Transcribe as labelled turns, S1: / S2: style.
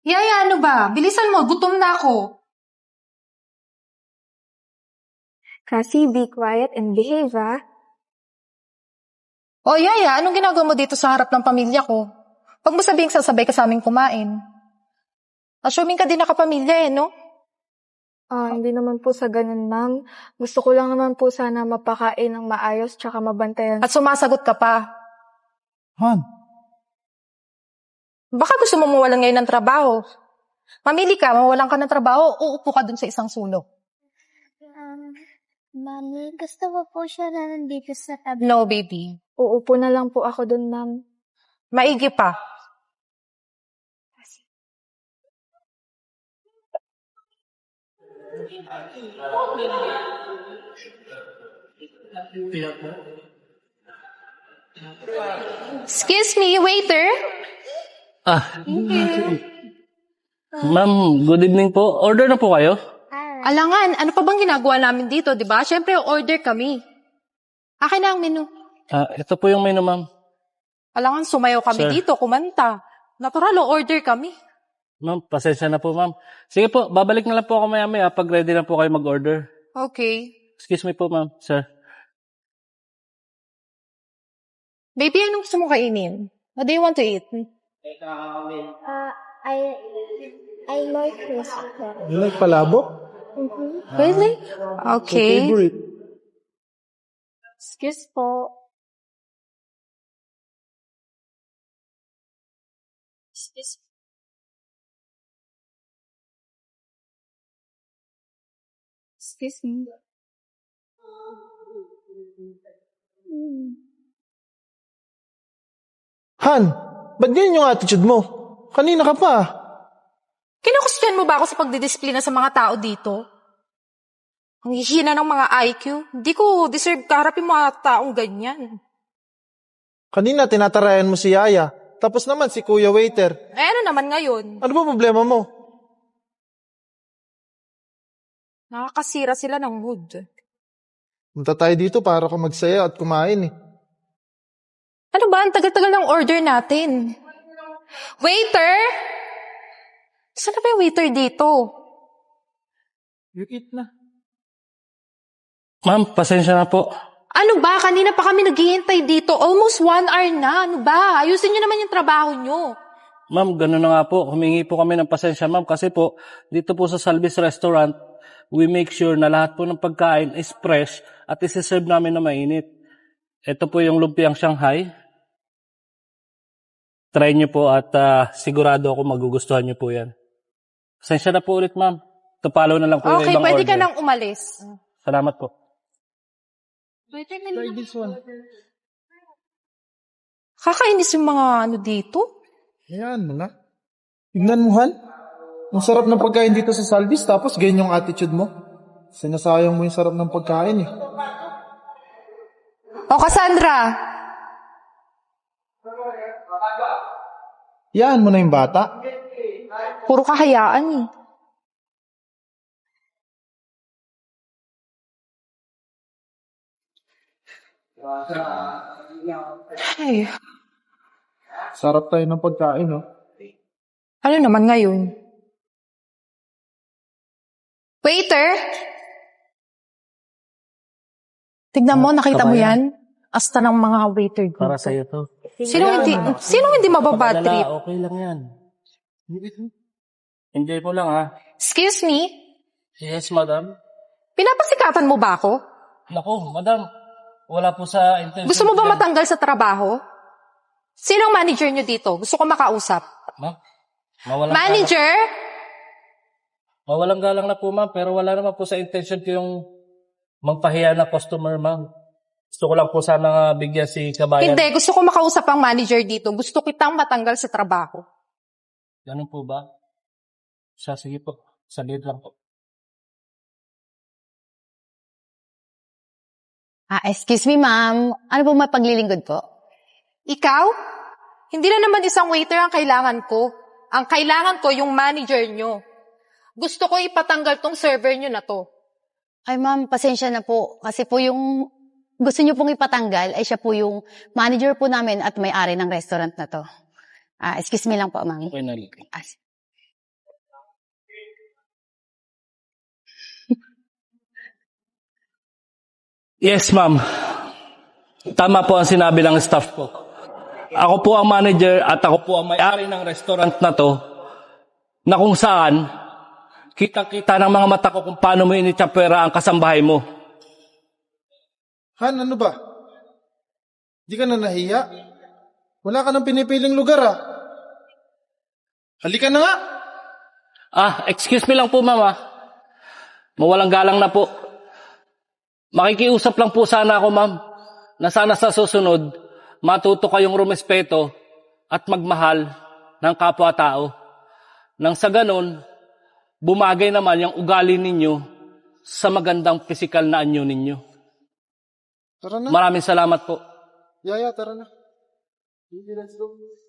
S1: Yaya, ano ba? Bilisan mo, gutom na ako.
S2: Cassie, be quiet and behave, ah.
S1: O Yaya, anong ginagawa mo dito sa harap ng pamilya ko? Huwag mo sabihing sasabay ka sa aming kumain. Assuming ka din nakapamilya no?
S2: Hindi naman po sa ganun, ma'am. Gusto ko lang naman po sana mapakain ng maayos tsaka mabantayan.
S1: At sumasagot ka pa.
S3: Han,
S1: Baka gusto mo mawalan ngayon ng trabaho. Mamili ka, mawalan ka ng trabaho, uupo ka dun sa isang sulok.
S4: Mami, gusto ko po siya na nandito sa tabi.
S1: No, baby.
S2: Uupo na lang po ako dun, ma'am.
S1: Maigi pa. Excuse me, waiter?
S5: Ma'am, good evening po. Order na po kayo?
S1: Alangan, ano pa bang ginagawa namin dito, di ba? Siyempre, order kami. Akin na ang menu.
S5: Ito po yung menu, ma'am.
S1: Alangan, sumayaw kami
S5: Sir.
S1: dito, kumanta. Natural, order kami.
S5: Ma'am, pasensya na po, ma'am. Sige po, babalik na lang po ako maya-maya pag ready na po kayo mag-order.
S1: Okay.
S5: Excuse me po, ma'am. Sir.
S1: Baby, anong gusto mo kainin? What do you want to eat?
S4: I like this.
S3: you like palabok?
S1: Really? Okay.
S3: Favorite.
S2: Excuse po. Excuse me.
S3: Han, ba't ganyan yung attitude mo? Kanina ka pa.
S1: Kinukustyan mo ba ako sa pagdidisiplina sa mga tao dito? Ang hihina ng mga IQ. Hindi ko deserve kaharapin mga taong ganyan.
S3: Kanina tinatarayan mo si Yaya. Tapos naman si Kuya Waiter.
S1: Eh, ano naman ngayon?
S3: Ano ba problema mo?
S1: Nakakasira sila ng mood.
S3: Punta tayo dito para ka magsaya at kumain eh.
S1: Ano ba? Ang tagal-tagal ng order natin. Waiter! Saan na ba yung waiter dito?
S3: You eat na.
S5: Ma'am, pasensya na po.
S1: Ano ba? Kanina pa kami naghihintay dito. Almost 1 hour na. Ano ba? Ayusin nyo naman yung trabaho nyo.
S5: Ma'am, gano'n na nga po. Humingi po kami ng pasensya, ma'am. Kasi po, dito po sa Salvis Restaurant, we make sure na lahat po ng pagkain is fresh at isi-serve namin na mainit. Ito po yung lumpiang Shanghai. Try nyo po at sigurado ako magugustuhan nyo po yan. Pasensya na po ulit, ma'am. Tupalo na lang po yung
S1: Okay,
S5: ibang
S1: pwede
S5: order.
S1: ka nang umalis.
S5: Salamat po.
S3: Try this one.
S1: Kakainis yung mga ano dito.
S3: Ayan mo na. Tignan mo, Han. Ang sarap ng pagkain dito sa Salvis, tapos ganyan yung attitude mo. Sinasayang mo yung sarap ng pagkain eh.
S1: O, Cassandra!
S3: Yan mo na yung bata.
S1: Puro kahayaan eh. Ay,
S3: Sarap tayo ng pagkain, no?
S1: ano naman ngayon? Waiter! Tignan mo, nakita mo yan? Asta ng mga waiter dito.
S5: Para sa'yo to.
S1: Sinong hindi mababad
S5: Pag-alala,
S1: trip?
S5: okay lang yan. Enjoy mo lang, ha?
S1: Excuse me?
S5: Yes, madam.
S1: Pinapasikatan mo ba ako?
S5: Naku, madam. Wala po sa intention.
S1: Gusto mo ba
S5: yan.
S1: matanggal sa trabaho? Sinong manager nyo dito? Gusto ko makausap.
S5: Ma'am? Mawalang
S1: Manager?
S5: Mawalang galang na po, ma'am. Pero wala naman po sa intention ko yung magpahiya na customer, ma'am. Gusto ko lang po sana bigyan si kabayan.
S1: Hindi, gusto ko makausap ang manager dito. Gusto kitang matanggal sa trabaho.
S5: Ganun po ba? Sige po. Saglit lang po.
S6: Excuse me, ma'am. Ano po may paglilingkod po?
S1: Ikaw? Hindi na naman isang waiter ang kailangan ko. Ang kailangan ko yung manager nyo. Gusto ko ipatanggal tong server nyo na to.
S6: Ay, ma'am, pasensya na po. Kasi po yung gusto niyo pong ipatanggal ay siya po yung manager po namin at may-ari ng restaurant na to. Excuse me lang po, ma'am.
S5: Okay na.
S6: Ah,
S5: Yes, ma'am. Tama po ang sinabi ng staff ko. Ako po ang manager at ako po ang may-ari ng restaurant na to na kung saan kita-kita ng mga mata ko kung paano mo initsapwera ang kasambahay mo.
S3: Han, ano ba? Di ka na nahiya? Wala ka nang pinipiling lugar ah. Halika na nga.
S5: Excuse me lang po, ma'am. Mawalang galang na po. Makikiusap lang po sana ako, ma'am, na sana sa susunod, matuto kayong rumespeto at magmahal ng kapwa-tao. Nang sa ganon, bumagay naman yung ugali ninyo sa magandang pisikal na anyo ninyo.
S3: Tara na.
S5: Maraming salamat po.
S3: Yaya, tara na. Sige, let's go.